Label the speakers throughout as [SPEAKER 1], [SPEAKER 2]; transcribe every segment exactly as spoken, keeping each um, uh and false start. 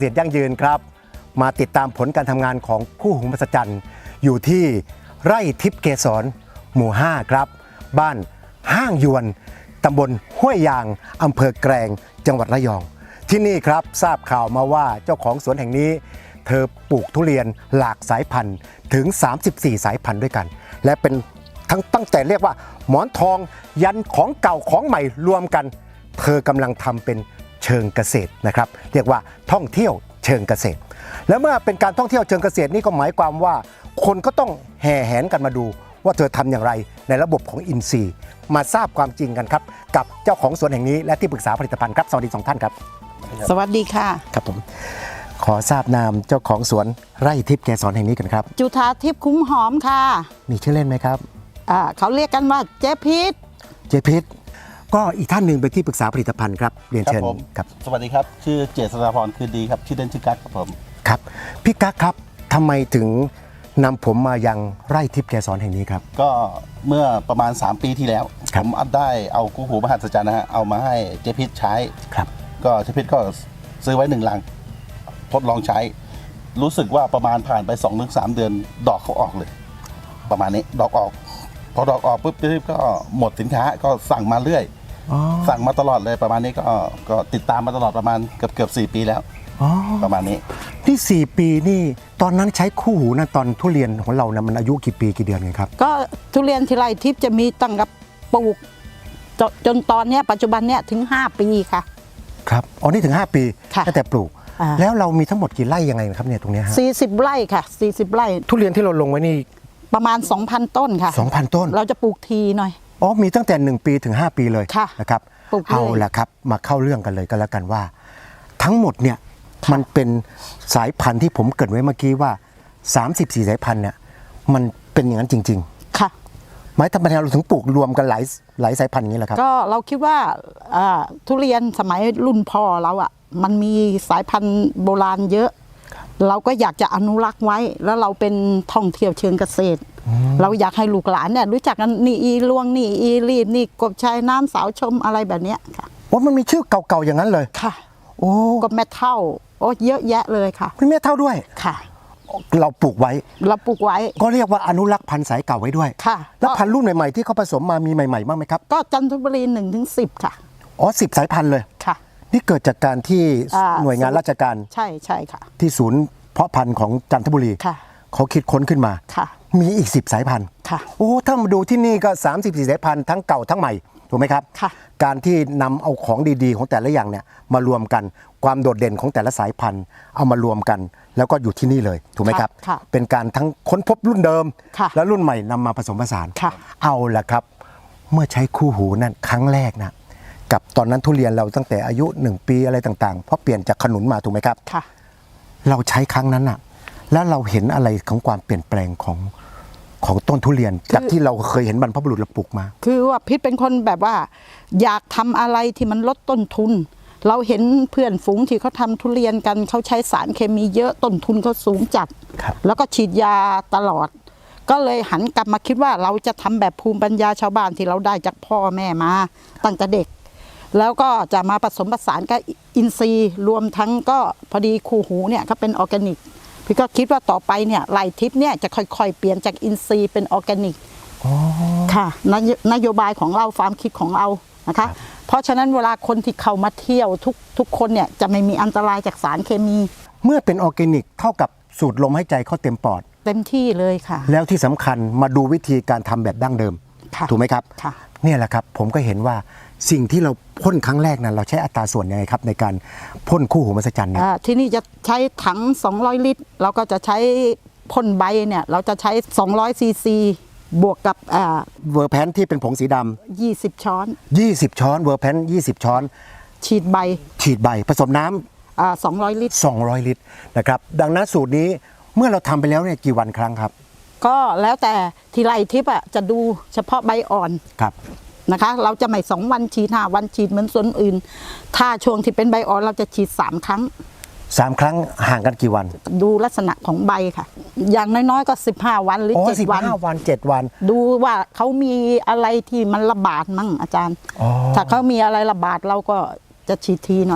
[SPEAKER 1] เกษตรยั่งยืนครับมาติดตามผลการทำงานของคู่หูมหัศจรรย์อยู่ที่ไร่ทิพย์เกษรหมู่ห้าครับบ้านห้างยวนตำบลห้วยยางอำเภอแกลงจังหวัดระยองที่นี่ครับทราบข่าวมาว่าเจ้าของสวนแห่งนี้เธอปลูกทุเรียนหลากสายพันธุ์ถึงสามสิบสี่สายพันธุ์ด้วยกันและเป็นทั้งตั้งแต่เรียกว่าหมอนทองยันของเก่าของใหม่รวมกันเธอกำลังทำเป็นเชิงเกษตรนะครับเรียกว่าท่องเที่ยวเชิงเกษตรแล้วเมื่อเป็นการท่องเที่ยวเชิงเกษตรนี่ก็หมายความว่าคนก็ต้องแห่แหนกันมาดูว่าเธอทำอย่างไรในระบบของอินทรีย์มาทราบความจริงกันครับกับเจ้าของสวนแห่งนี้และที่ปรึกษาผลิตภัณฑ์ครับสวัสดีสองท่านครับ
[SPEAKER 2] สวัสดีค่ะ
[SPEAKER 1] ครับผมขอทราบนามเจ้าของสวนไร่ทิพย์เกษรแห่งนี้กันครับ
[SPEAKER 2] จุฑาทิพย์คุ้มหอมค่ะ
[SPEAKER 1] มีชื่อเล่นไหมครับ
[SPEAKER 2] อ่าเขาเรียกกันว่าเจ๊พิษ
[SPEAKER 1] เจ๊พิษก็อีกท่านหนึ่งเป็นที่ปรึกษาผลิตภัณฑ์ครับเรียนเชิญ
[SPEAKER 3] ครับสวัสดีครับชื่อเจษฎาพรคืนดีครับชื่อเล่นชื่อกั๊กครับผม
[SPEAKER 1] ครับพี่กั๊กครับทำไมถึงนำผมมายังไร่ทิพย์เกษรแห่งนี้ครับ
[SPEAKER 3] ก็เมื่อประมาณสามปีที่แล้วผมได้เอาคู่หูมหัศจรรย์นะฮะเอามาให้เจ๊พิษใช้
[SPEAKER 1] ครับ
[SPEAKER 3] ก็เจ๊พิษก็ซื้อไว้หนึ่งลังทดลองใช้รู้สึกว่าประมาณผ่านไป สองถึงสาม เดือนดอกเขาออกเลยประมาณนี้ดอกออกพอดอกออกปุ๊บเจ๊พิษก็หมดสินค้าก็สั่งมาเรื่อยสั่งมาตลอดเลยประมาณนี้ก็ก็ติดตามมาตลอดประมาณเกือบเกือบสี่ปีแล้วประมาณนี้
[SPEAKER 1] ที่สี่ปีนี่ตอนนั้นใช้คู่หูนะตอนทุเรียนของเรานะมันอายุกี่ปีกี่เดือนไงครับ
[SPEAKER 2] ก็ทุเรียนที่ไร่ทิพย์จะมีตั้งกับปลูกจจนตอนนี้ปัจจุบันเนี้ยถึงห้าปีค่ะ
[SPEAKER 1] ครับอ๋อนี่ถึงห้าปีตั้งแต่ปลูกแล้วเรามีทั้งหมดกี่ไร่ยังไงครับเนี่ยตรงนี้ฮะ
[SPEAKER 2] สี่สิบไร่ค่ะสี่สิบไร่
[SPEAKER 1] ทุเรียนที่เราลงไว้นี่
[SPEAKER 2] ประมาณ สองพัน ต้นค่ะ
[SPEAKER 1] สองพัน ต้น
[SPEAKER 2] เราจะปลูกทีหน่อย
[SPEAKER 1] อ๋อมีตั้งแต่หนึ่งปีถึงห้าปีเลยนะครับเอาละครับมาเข้าเรื่องกันเลยก็แล้วกันว่าทั้งหมดเนี่ยมันเป็นสายพันธุ์ที่ผมเกริ่นไว้เมื่อกี้ว่าสามสิบสี่สายพันธุ์เนี่ยมันเป็นอย่างนั้นจริง
[SPEAKER 2] ๆค่ะ
[SPEAKER 1] หมายทำไมเราถึงปลูกรวมกันหลายหลายสายพันธุ์อย่างนี้ล่ะครับ
[SPEAKER 2] ก็เราคิดว่าทุเรียนสมัยรุ่นพ่อเราอ่ะมันมีสายพันธุ์โบราณเยอะเราก็อยากจะอนุรักษ์ไว้แล้วเราเป็นท่องเที่ยวเชิงเกษตรเราอยากให้ลูกหลานเนี่ยรู้จักกันนี่อีลวงนี่อีรีบนี่กบชายน้ำสาวชมอะไรแบบนี้ค่ะ
[SPEAKER 1] ว่ามันมีชื่อเก่าๆอย่างนั้นเลย
[SPEAKER 2] ค่ะ
[SPEAKER 1] โอ้
[SPEAKER 2] กบแม่เท่าโอ้เยอะแยะเลยค่ะ
[SPEAKER 1] มีแม่เท่าด้วย
[SPEAKER 2] ค่ะ
[SPEAKER 1] เราปลูกไว้
[SPEAKER 2] เราปลูกไว้
[SPEAKER 1] ก็เรียกว่าอนุรักษ์พันธุ์สายเก่าไว้ด้วย
[SPEAKER 2] ค่ะ
[SPEAKER 1] แล้วพันธุ์รุ่นใหม่ๆที่เขาผสมมามีใหม่ๆบ้างไหมครับ
[SPEAKER 2] ก็จันทบุรีหนึ่งถึงสิบค่ะ
[SPEAKER 1] อ๋อสิบสายพันธุ์เลย
[SPEAKER 2] ค่ะ
[SPEAKER 1] นี่เกิดจากการที่หน่วยงานราชการ
[SPEAKER 2] ใช่ใช่ค่ะ
[SPEAKER 1] ที่ศูนย์เพาะพันธุ์ของจันทบุรีเขาคิดค้นขึ้นมามีอีกสิบสายพันธุ์โอ้ถ้ามาดูที่นี่ก็สามสิบสี่สายพันธุ์ทั้งเก่าทั้งใหม่ถูกไหมครับการที่นำเอาของดีๆของแต่ละอย่างเนี่ยมารวมกันความโดดเด่นของแต่ละสายพันธุ์เอามารวมกันแล้วก็อยู่ที่นี่เลยถูกไหมครับเป็นการทั้งค้นพบรุ่นเดิมและรุ่นใหม่นำมาผสมผสานเอาละครับเมื่อใช้คู่หูนั่นครั้งแรกนะกับตอนนั้นทุเรียนเราตั้งแต่อายุหนึ่งปีอะไรต่างๆเพราะเปลี่ยนจากขนุนมาถูกไหมครับเราใช้ครั้งนั้นน่ะแล้วเราเห็นอะไรของความเปลี่ยนแปลงของของต้นทุเรียนจากที่เราเคยเห็นบรรพบุรุษเราปลูกมา
[SPEAKER 2] คือว่าพิษเป็นคนแบบว่าอยากทำอะไรที่มันลดต้นทุนเราเห็นเพื่อนฝูงที่เขาทำทุเรียนกันเขาใช้สารเคมีเยอะต้นทุนเขาสูงจัดแล้วก็ฉีดยาตลอดก็เลยหันกลับมาคิดว่าเราจะทำแบบภูมิปัญญาชาวบ้านที่เราได้จากพ่อแม่มาตั้งแต่เด็กแล้วก็จะมาผสมผสานกับอินทรีย์รวมทั้งก็พอดีคู่หูเนี่ยเขาเป็นออร์แกนิกพี่ก็คิดว่าต่อไปเนี่ยไร่ทิพย์เนี่ยจะค่อยๆเปลี่ยนจากอินทรีย์เป็นออร์แกนิกค่ะนโยบายของเราความคิดของเรานะคะเพราะฉะนั้นเวลาคนที่เข้ามาเที่ยวทุกทุกคนเนี่ยจะไม่มีอันตรายจากสารเคมี
[SPEAKER 1] เมื่อเป็นออร์แกนิกเท่ากับสูดลมหายใจเข้าเต็มปอด
[SPEAKER 2] เต็มที่เลยค่ะ
[SPEAKER 1] แล้วที่สำคัญมาดูวิธีการทำแบบดั้งเดิมถูกไหมครับเนี่ยแหละครับผมก็เห็นว่าสิ่งที่เราพ่นครั้งแรกนั้นเราใช้อัตราส่วนยังไงครับในการพ่นคู่หูมหัศจรรย์เนี่ย
[SPEAKER 2] ที่นี่จะใช้ถังสองร้อยลิตรเราก็จะใช้พ่นใบเนี่ยเราจะใช้สองร้อยซีซีบวกกับ
[SPEAKER 1] เวอร์แพนที่เป็นผงสีด
[SPEAKER 2] ำยี่สิบช้อน
[SPEAKER 1] ยี่สิบช้อนเวอร์แพนยี่สิบช้อน
[SPEAKER 2] ฉีดใบ
[SPEAKER 1] ฉีดใบผสมน้
[SPEAKER 2] ำสองร้อยลิตร
[SPEAKER 1] สองร้อยลิตรนะครับดังนั้นสูตรนี้เมื่อเราทำไปแล้วเนี่ยกี่วันครั้งครับ
[SPEAKER 2] ก็แล้วแต่ที่ไร่ทิพย์อ่ะจะดูเฉพาะใบอ่อน
[SPEAKER 1] ครับ
[SPEAKER 2] นะคะเราจะไม่สองวันฉีดห้าวันฉีดเหมือนส่วนอื่นถ้าช่วงที่เป็นใบอ่อนเราจะฉีดสามครั้ง
[SPEAKER 1] สามครั้งห่างกันกี่วัน
[SPEAKER 2] ดูลักษณะของใบค่ะอย่างน้อยๆก็สิบห้าวันหรือเจ็ดวัน
[SPEAKER 1] สิบห้าวันเจ็ดวัน
[SPEAKER 2] ดูว่าเขามีอะไรที่มันระบาดมั่งอาจารย์ถ้าเขามีอะไรระบาดเราก็จะฉีดทีหน่อย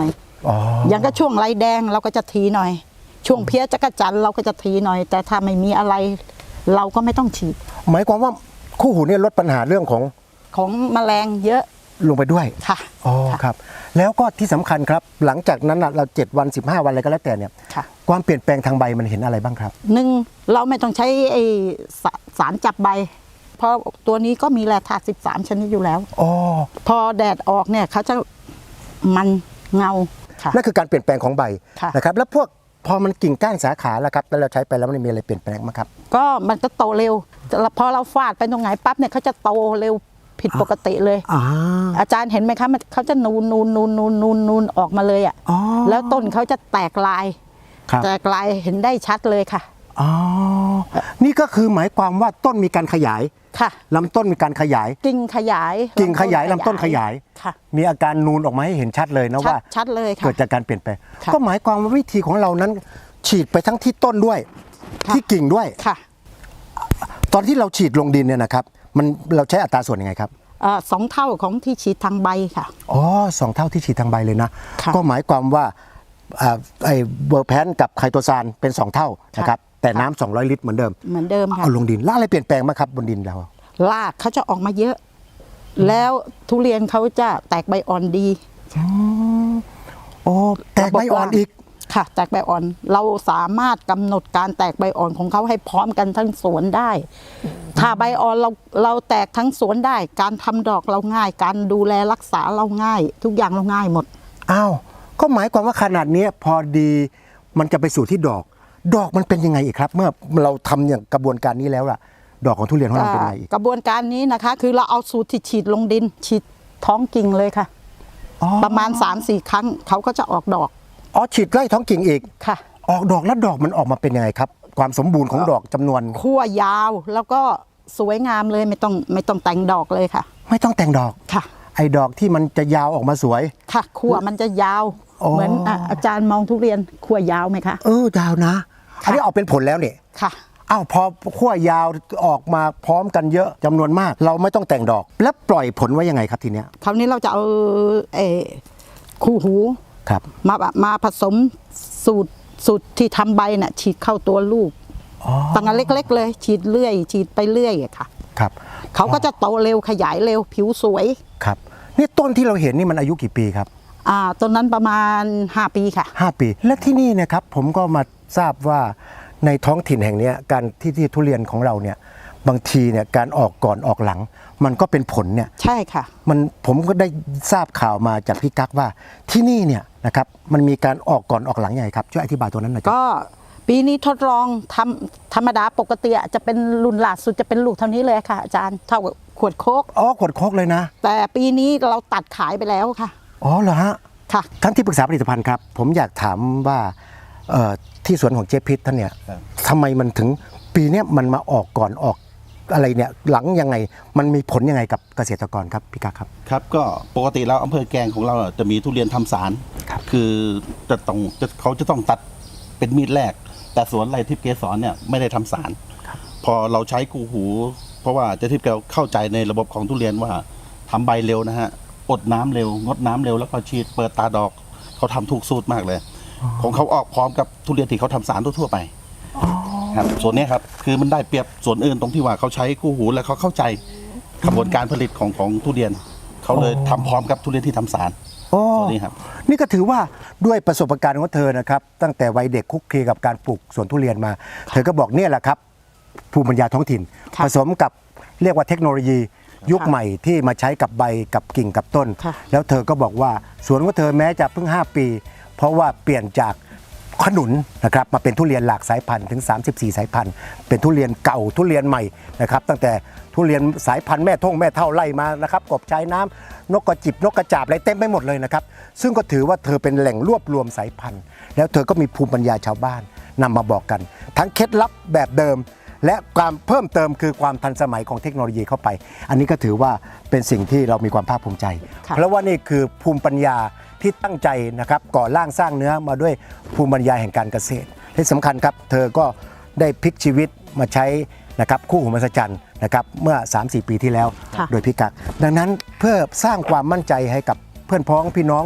[SPEAKER 1] อ๋อ
[SPEAKER 2] อย่างก็ช่วงไรแดงเราก็จะทีหน่อย ช่วงเพี้ยจักรจันทร์เราก็จะทีหน่อย แต่ถ้าไม่มีอะไร เราก็ไม่ต้องฉีด
[SPEAKER 1] หมายความว่าคู่หูเนี่ยลดปัญหาเรื่องของ
[SPEAKER 2] ของแมลงเยอะ
[SPEAKER 1] ลงไปด้วย
[SPEAKER 2] ค่ะ
[SPEAKER 1] อ๋อ
[SPEAKER 2] ค่ะ
[SPEAKER 1] ครับ แล้วก็ที่สำคัญครับหลังจากนั้นน่ะเราเจ็ดวันสิบห้าวันอะไรก็แล้วแต่เนี่ย
[SPEAKER 2] ค่ะ
[SPEAKER 1] ความเปลี่ยนแปลงทางใบมันเห็นอะไรบ้างครับ
[SPEAKER 2] หนึ่งเราไม่ต้องใช้ไอสาสารจับใบ เพราะตัวนี้ก็มีแร่ธาตุสิบสามชนิดอยู่แล้ว
[SPEAKER 1] อ๋อ
[SPEAKER 2] พอแดดออกเนี่ยเขาจะมันเงาค่ะ
[SPEAKER 1] นั่นคือการเปลี่ยนแปลงของใบ
[SPEAKER 2] ค่ะ
[SPEAKER 1] นะครับแล้วพวกพอมันกิ่งก้านสาขาแล้วครับแล้วเราใช้ไปแล้วมันมีอะไรเปลี่ยนแปลงไหมครับ
[SPEAKER 2] ก็มันก็โตเร็วแต่พอเราฟาดไปตรงไหนปั๊บเนี่ยเขาจะโตเร็วผิดปกติเลย
[SPEAKER 1] อ่า
[SPEAKER 2] อาจารย์เห็นไหมคะมันเขาจะนูนนูนนูนนูนนูนนูนออกมาเลยอ่ะ
[SPEAKER 1] อ๋อ
[SPEAKER 2] แล้วต้นเขาจะแตกลาย
[SPEAKER 1] ครับ
[SPEAKER 2] แตกลายเห็นได้ชัดเลยค่ะ
[SPEAKER 1] อ๋อนี่ก็คือหมายความว่าต้นมีการขยาย
[SPEAKER 2] ค่ะ
[SPEAKER 1] ลำต้นมีการขยาย
[SPEAKER 2] กิ่งขยาย
[SPEAKER 1] กิ่งขยายลำต้นขยาย
[SPEAKER 2] ค่ะ
[SPEAKER 1] มีอาการนูนออกมาให้เห็นชัดเลยนะ
[SPEAKER 2] ชัด
[SPEAKER 1] ว่า
[SPEAKER 2] ชัดเลยค่ะ
[SPEAKER 1] เกิดจากการเปลี่ยนแปลง
[SPEAKER 2] ค่ะ
[SPEAKER 1] ก็หมายความว่าวิธีของเรานั้น ฉีดไปทั้งที่ต้นด้วย
[SPEAKER 2] ค่ะ
[SPEAKER 1] ที่กิ่งด้วย
[SPEAKER 2] ค่ะ
[SPEAKER 1] ตอนที่เราฉีดลงดินเนี่ยนะครับมันเราใช้อัตราส่วนยังไงครับ
[SPEAKER 2] เอ่อสองเท่าของที่ฉีดทางใบค่ะ
[SPEAKER 1] อ๋อสองเท่าที่ฉีดทางใบเลยนะ
[SPEAKER 2] ค่ะ
[SPEAKER 1] ก็หมายความว่าอ่าไอ้เบอร์แพนกับไคโตซานเป็นสองเท่านะครับแต่น้ำสองร้อยลิตรเหมือนเดิม
[SPEAKER 2] เหมือนเดิมค่ะ
[SPEAKER 1] เอาลงดินแล้วอะไรเปลี่ยนแปลงไหมครับบนดินเรา
[SPEAKER 2] รากเขาจะออกมาเยอะ แล้วทุเรียนเขาจะแตกใบอ่อนดี
[SPEAKER 1] โอ้แตกใบอ่อนอีก
[SPEAKER 2] ค่ะ แตกใบอ่อน เราสามารถกำหนดการแตกใบอ่อนของเขาให้พร้อมกันทั้งสวนได้ ถ้าใบอ่อนเราเราแตกทั้งสวนได้ การทำดอกเราง่าย การดูแลรักษาเราง่าย ทุกอย่างเราง่ายหมด
[SPEAKER 1] อ้าวก็หมายความว่าขนาดเนี้ยพอดีมันจะไปสู่ที่ดอก ดอกมันเป็นยังไงอีกครับ เมื่อเราทำอย่างกระบวนการนี้แล้วล่ะ ดอกของทุเรียนของเราเป็นยังไงอีก
[SPEAKER 2] กระบวนการนี้นะคะ คือเราเอาสูตรที่ฉีดลงดิน ฉีดท้องกิ่งเลยค่ะ
[SPEAKER 1] อ๋อ
[SPEAKER 2] ประมาณ สามสี่ ครั้งเขาก็จะออกดอก
[SPEAKER 1] อ๋อฉีดไล่ท้องกิ่งอีก
[SPEAKER 2] ค่ะ
[SPEAKER 1] ออกดอกแล้วดอกมันออกมาเป็นยังไงครับ ความสมบูรณ์ของดอกจำนวน
[SPEAKER 2] ขั้วยาวแล้วก็สวยงามเลยไม่ต้องไม่ต้องแต่งดอกเลยค่ะ
[SPEAKER 1] ไม่ต้องแต่งดอก
[SPEAKER 2] ค่ะ
[SPEAKER 1] ไอ้ดอกที่มันจะยาวออกมาสวย
[SPEAKER 2] ค่ะขั้วมันจะยาว
[SPEAKER 1] อ๋อ
[SPEAKER 2] เหมือนอ่ะอาจารย์มองทุเรียนขั้วยาวไหมคะ
[SPEAKER 1] เออยาวนะ อันนี้ออกเป็นผลแล้วเนี่ย
[SPEAKER 2] ค่ะ
[SPEAKER 1] อ้าวพอขั้วยาวออกมาพร้อมกันเยอะจำนวนมาก เราไม่ต้องแต่งดอก แล้วปล่อยผลไว้ยังไงครับทีเนี้ย
[SPEAKER 2] คราวนี้เราจะเอาเออคู่หู
[SPEAKER 1] ครับ
[SPEAKER 2] มามาผสมสูตรสูตรที่ทำใบน่ะฉีดเข้าตัวลูก
[SPEAKER 1] อ๋อ
[SPEAKER 2] ตั้งแต่เล็ก ๆ เลย ฉีดเรื่อย ฉีดไปเรื่อยอะค่ะ
[SPEAKER 1] ครับ
[SPEAKER 2] เขาก็จะโตเร็วขยายเร็วผิวสวย
[SPEAKER 1] ครับนี่ต้นที่เราเห็นนี่มันอายุกี่ปีครับ
[SPEAKER 2] อ่าต้นนั้นประมาณห้าปีค่ะ
[SPEAKER 1] ห้าปี และที่นี่นะครับผมก็มาทราบว่าในท้องถิ่นแห่งเนี้ยการที่ที่ทุเรียนของเราเนี่ยบางทีเนี่ยการออกก่อนออกหลัง มันก็เป็นผลเนี่ย
[SPEAKER 2] ใช่ค่ะ
[SPEAKER 1] มันผมก็ได้ทราบข่าวมาจากพี่กั๊กว่าที่นี่เนี่ยนะครับมันมีการออกก่อนออกหลังยังไงครับช่วยอธิบายตัวนั้นหน่อยครับ
[SPEAKER 2] ก็ปีนี้ทดลองทำธรรมดาปกติอะจะเป็นรุ่นล่าสุดจะเป็นลูกเท่านี้เลยค่ะอาจารย์เท่ากับขวดโคก
[SPEAKER 1] อ๋อขวดโคกเลยนะ
[SPEAKER 2] แต่ปีนี้เราตัดขายไปแล้วค่ะ
[SPEAKER 1] อ๋อเหรอฮะ
[SPEAKER 2] ค่ะ
[SPEAKER 1] ท่านที่ปรึกษาผลิตภัณฑ์ครับผมอยากถามว่าเอ่อที่สวนของเจ๊พิษท่านเนี่ย
[SPEAKER 3] ครับ
[SPEAKER 1] ทำไมมันถึงปีเนี้ยมันมาออกก่อนออกอะไรเนี่ยหลังยังไงมันมีผลยังไงกับเกษตรกรครับพี่กั๊กครับ
[SPEAKER 3] ครับก็ปกติแล้วอำเภอแกลงของเราอ่ะจะมีทุเรียนทำสาร
[SPEAKER 1] ครับ
[SPEAKER 3] คือจะต้องจะเขาจะต้องตัดเป็นมีดแรก แต่สวนไรทิพย์เกสรเนี่ยไม่ได้ทำสาร พอเราใช้กูหู เพราะว่าเจะทิพย์แกเข้าใจในระบบของทุเรียนว่าทำใบเร็วนะฮะอดน้ำเร็ว งดน้ำเร็วแล้วก็ฉีดเปิดตาดอกเขาทำถูกสูตรมากเลย ของเขาออกพร้อมกับทุเรียนที่เขาทำสารทั่วๆไปครับส่วนเนี้ยครับคือมันได้เปรียบส่วนอื่นตรงที่ว่าเขาใช้คู่หูแล้วเขาเข้าใจกระบวนการผลิตของของทุเรียนเขาเลยทำพร้อมกับทุเรียนที่ทำสาร
[SPEAKER 1] โอ้
[SPEAKER 3] ตัวนี้ครับ
[SPEAKER 1] นี่ก็ถือว่าด้วยประสบการณ์ของเธอนะครับตั้งแต่วัยเด็กคุกคีกับการปลูกสวนทุเรียนมา เธอก็บอกเนี่ยแหละครับภูมิปัญญาท้องถิ่น
[SPEAKER 2] ค่ะ
[SPEAKER 1] ผสมกับเรียกว่าเทคโนโลยียุค
[SPEAKER 2] ค่ะ
[SPEAKER 1] ใหม่ที่มาใช้กับใบกับกิ่งกับต้น
[SPEAKER 2] ค่ะ
[SPEAKER 1] แล้วเธอก็บอกว่าสวนของเธอแม้จะเพิ่งห้าปี เพราะว่าเปลี่ยนจากขนุนนะครับมาเป็นทุเรียนหลากสายพันธุ์ถึงสามสิบสี่สายพันธุ์เป็นทุเรียนเก่าทุเรียนใหม่นะครับตั้งแต่ทุเรียนสายพันธุ์แม่ท่งแม่เท่าไล่มานะครับกบชายน้ำนกกระจิบนกกระจาบอะไรเต็มไปหมดเลยนะครับซึ่งก็ถือว่าเธอเป็นแหล่งรวบรวมสายพันธุ์ แล้วเธอก็มีภูมิปัญญาชาวบ้านนำมาบอกกัน ทั้งเคล็ดลับแบบเดิม และความเพิ่มเติมคือความทันสมัยของเทคโนโลยีเข้าไป อันนี้ก็ถือว่าเป็นสิ่งที่เรามีความภาคภูมิใจ
[SPEAKER 2] ค่ะ
[SPEAKER 1] เพราะว่านี่คือภูมิปัญญาที่ตั้งใจนะครับก่อร่างสร้างเนื้อมาด้วยภูมิปัญญาแห่งการเกษตรที่สำคัญครับเธอก็ได้พลิกชีวิตมาใช้นะครับคู่หูมหัศจรรย์นะครับเมื่อ สามสี่ ปีที่แล้ว
[SPEAKER 2] ค่ะ
[SPEAKER 1] โดยพี่กักดังนั้นเพื่อสร้างความมั่นใจให้กับเพื่อนพ้องพี่น้อง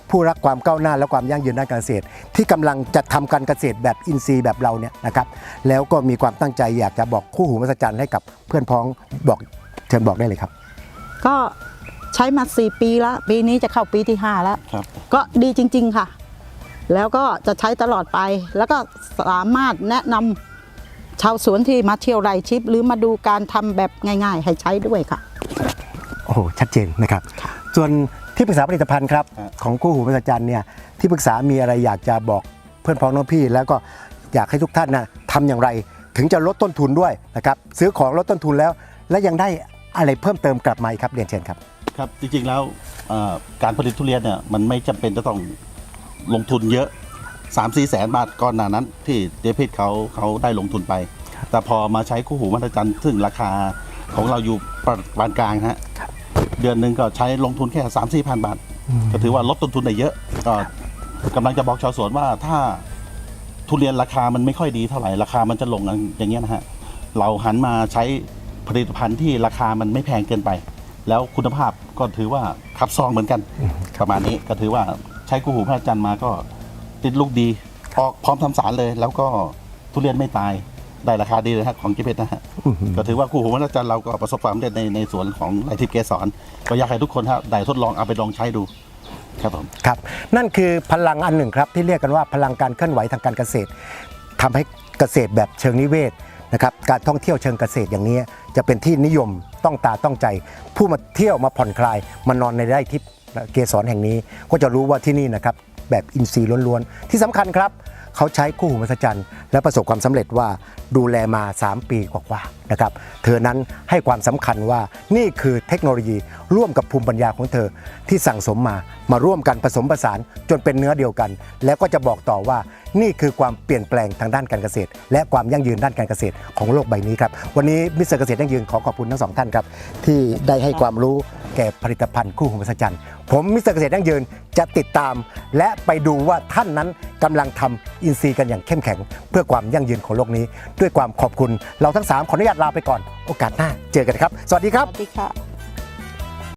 [SPEAKER 1] ผู้รักความก้าวหน้าและความยั่งยืนด้านการเกษตร ที่กำลังจะทำการเกษตรแบบอินทรีย์แบบเราเนี่ยนะครับแล้วก็มีความตั้งใจอยากจะบอกคู่หูมหัศจรรย์ให้กับเพื่อนพ้องบอกเชิญบอกได้เลยครับ
[SPEAKER 2] ก็ใช้มาสี่ปีแล้วปีนี้จะเข้าปีที่ห้าแล้ว
[SPEAKER 3] ครับ
[SPEAKER 2] ก็ดีจริง ๆค่ะ แล้วก็จะใช้ตลอดไป แล้วก็สามารถแนะนำชาวสวนที่มาเที่ยวไร่ทิพย์หรือมาดูการทำแบบง่าย ๆ ให้ใช้ด้วยค่ะ
[SPEAKER 1] โอ้โหชัดเจนนะครับ ส่วนที่ปรึกษาผลิตภัณฑ์ครับ
[SPEAKER 3] ครับ
[SPEAKER 1] ของคู่หูมหัศจรรย์เนี่ยที่ปรึกษามีอะไรอยากจะบอกเพื่อนพ้องน้องพี่ แล้วก็อยากให้ทุกท่านนะทำอย่างไรถึงจะลดต้นทุนด้วยนะครับซื้อของลดต้นทุนแล้ว และยังได้อะไรเพิ่มเติมกลับมาอีกครับเรียนเชิญครับ
[SPEAKER 3] ครับจริงๆแล้วเอ่อการผลิตทุเรียนเนี่ยมันไม่จำเป็นจะต้องลงทุนเยอะ สามสี่ แสนบาทก่อนหน้านั้น ที่เดพิดเขาเขาได้ลงทุนไป แต่พอมาใช้คู่หูมหัศจรรย์ซึ่งราคาของเราอยู่ปานกลางฮะเดือนหนึ่งก็ใช้ลงทุนแค่สามสี่พันบาท ก็ถือว่าลดต้นทุนได้เยอะก็กำลังจะบอกชาวสวนว่าถ้าทุเรียนราคามันไม่ค่อยดีเท่าไหร่ราคามันจะลงอย่างเงี้ยนะฮะเราหันมาใช้ผลิตภัณฑ์ที่ราคามันไม่แพงเกินไป แล้วคุณภาพก็ถือว่าคับซองเหมือนกันประมาณนี้ก็ถือว่าใช้คู่หูพระจันทร์มาก็ติดลูกดีออกพร้อมทำสารเลย แล้วก็ทุเรียนไม่ตายได้ราคาดีเลยฮะของกิเพชรนะฮะก็ถือว่าคู่หูพระจันทร์เราก็ประสบความสำเร็จในในสวนของไร่ทิพย์เกสรก็อยากให้ทุกคนฮะได้ทดลองเอาไปลองใช้ดูครับผม
[SPEAKER 1] ครับนั่นคือพลังอันหนึ่งครับที่เรียกกันว่าพลังการเคลื่อนไหวทางการเกษตรทำให้เกษตรแบบเชิงนิเวศนะครับการท่องเที่ยวเชิงเกษตรอย่างนี้จะเป็นที่นิยมต้องตาต้องใจ ผู้มาเที่ยวมาผ่อนคลายมานอนในไร่ทิพย์เกสรแห่งนี้ก็จะรู้ว่าที่นี่นะครับแบบอินทรีย์ล้วนๆที่สำคัญครับเขาใช้คู่หูมหัศจรรย์และประสบความสำเร็จว่าดูแลมาสามปีกว่าๆนะครับเธอนั้นให้ความสำคัญว่านี่คือเทคโนโลยีร่วมกับภูมิปัญญาของเธอที่สั่งสมมามาร่วมกันผสมผสานจนเป็นเนื้อเดียวกัน แล้วก็จะบอกต่อว่านี่คือความเปลี่ยนแปลงทางด้านการเกษตร และความยั่งยืนด้านการเกษตรของโลกใบนี้ครับวันนี้มิสเตอร์เกษตรยั่งยืนขอขอบคุณทั้งสองท่านครับที่ได้ให้ความรู้แก่ผลิตภัณฑ์คู่หูมหัศจรรย์ผมมิสเตอร์เกษตรยั่งยืนจะติดตาม และไปดูว่าท่านนั้นกำลังทำอินทรีย์กันอย่างเข้มแข็ง เพื่อความยั่งยืนของโลกนี้ ด้วยความขอบคุณเราทั้งสามขออนุญาตลาไปก่อนโอกาสหน้าเจอกันครับสวัสดีครับ
[SPEAKER 2] สวัสดีค่ะ